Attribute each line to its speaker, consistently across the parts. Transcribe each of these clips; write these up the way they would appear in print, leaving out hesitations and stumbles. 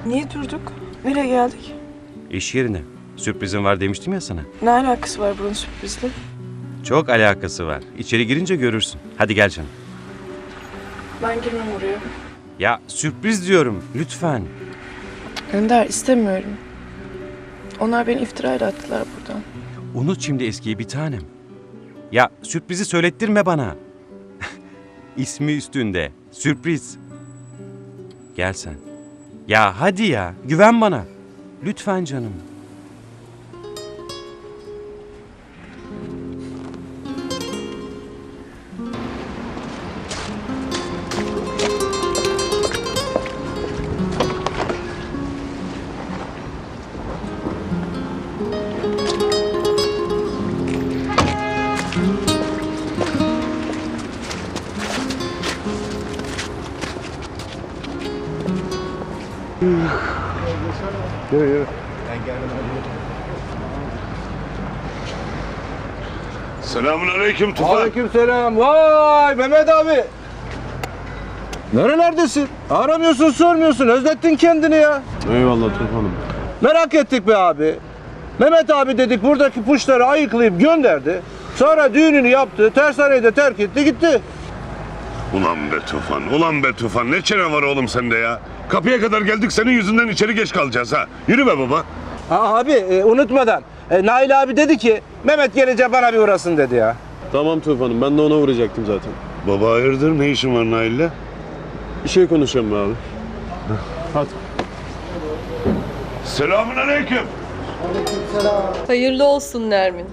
Speaker 1: Niye durduk? Nereye geldik?
Speaker 2: İş yerine. Sürprizim var demiştim ya sana.
Speaker 1: Ne alakası var bunun sürprizle?
Speaker 2: Çok alakası var. İçeri girince görürsün. Hadi gel canım.
Speaker 1: Ben girmem oraya.
Speaker 2: Ya sürpriz diyorum. Lütfen.
Speaker 1: Önder, istemiyorum. Onlar beni iftirayla attılar buradan.
Speaker 2: Unut şimdi eskiyi bir tanem. Ya sürprizi söylettirme bana. İsmi üstünde. Sürpriz. Gel sen. Ya hadi ya. Güven bana. Lütfen canım.
Speaker 3: Yürü.
Speaker 4: Selamünaleyküm Tufan.
Speaker 3: Aleykümselam. Vay Mehmet abi. Nerelerdesin? Aramıyorsun, sormuyorsun. Özlettin kendini ya.
Speaker 4: Eyvallah Tufan'ım.
Speaker 3: Merak ettik be abi. Mehmet abi dedik buradaki puşları ayıklayıp gönderdi. Sonra düğününü yaptı. Tersaneyi de terk etti gitti.
Speaker 4: Ulan be Tufan. Ne çene var oğlum sende ya? Kapıya kadar geldik senin yüzünden içeri geç kalacağız ha. Yürü be baba.
Speaker 3: Ha, abi unutmadan. Nail abi dedi ki Mehmet gelince bana bir uğrasın dedi ya.
Speaker 5: Tamam Tufan'ım, ben de ona uğrayacaktım zaten.
Speaker 4: Baba hayırdır, ne işin var Nail'le?
Speaker 5: Bir şey konuşalım be abi. Hadi.
Speaker 4: Selamünaleyküm.
Speaker 6: Hayırlı olsun Nermin.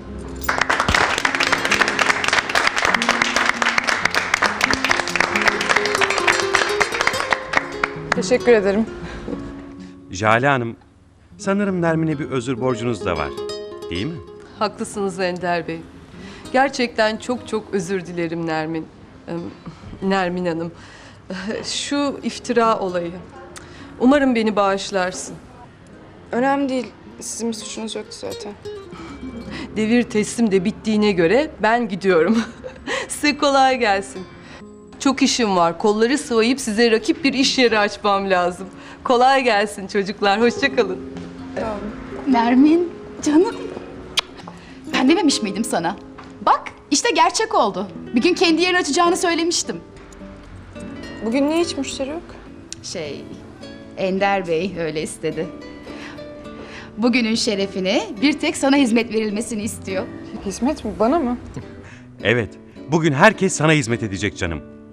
Speaker 1: Teşekkür ederim.
Speaker 2: Jale Hanım, sanırım Nermin'e bir özür borcunuz da var. Değil mi?
Speaker 6: Haklısınız Ender Bey. Gerçekten çok çok özür dilerim Nermin. Nermin Hanım. Şu iftira olayı. Umarım beni bağışlarsın.
Speaker 1: Önemli değil. Sizin bir suçunuz yoktu zaten.
Speaker 6: Devir teslim de bittiğine göre ben gidiyorum. Size kolay gelsin. Çok işim var. Kolları sıvayıp size rakip bir iş yeri açmam lazım. Kolay gelsin çocuklar. Hoşça kalın.
Speaker 7: Nermin, canım. Ben dememiş miydim sana? Bak, işte gerçek oldu. Bir gün kendi yerini açacağını söylemiştim.
Speaker 1: Bugün niye hiç müşteri yok?
Speaker 7: Ender Bey öyle istedi. Bugünün şerefine bir tek sana hizmet verilmesini istiyor.
Speaker 1: Hizmet mi? Bana mı?
Speaker 2: Evet. Bugün herkes sana hizmet edecek canım.